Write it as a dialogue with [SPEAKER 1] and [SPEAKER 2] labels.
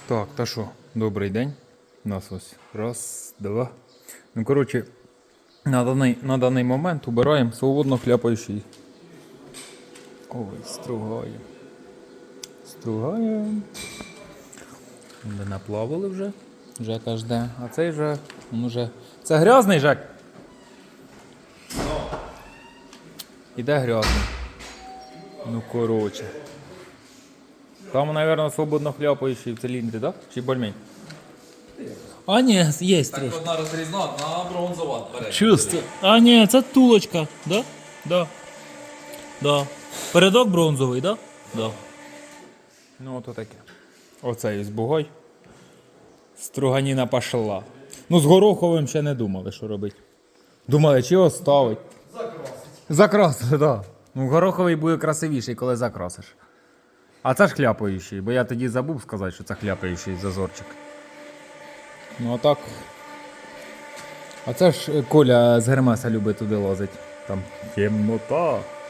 [SPEAKER 1] Так, та що, добрий день. У нас ось раз, два. Ну, коротше, на даний момент убираємо свободно хляпаючий. Ой, стругає. Стругає. Де наплавали вже. Жека жде. А цей же, він уже... Це грязний, Жек? Іде грязний. Ну, коротше. Там, мабуть, свободно хляпаючий в циліндрі, так? Чи бальмень?
[SPEAKER 2] А ні, є
[SPEAKER 3] Так
[SPEAKER 2] трішки.
[SPEAKER 3] одна розрізна, одна бронзова.
[SPEAKER 2] Чисто. А ні, це тулочка, да? Да. Да. Передок бронзовий, да? Да.
[SPEAKER 1] Ну, ото таке. Оцей ось бугой. Струганіна пошла. Ну, з гороховим ще не думали, що робити. Думали, чи оставить. Закрасити, так. Да. Ну, гороховий буде красивіший, коли закрасиш. А це ж хляпаючий, бо я тоді забув сказати, що це хляпаючий зазорчик. Ну, а так. А це ж Коля з Гермеса любить туди лазить. Там темнота.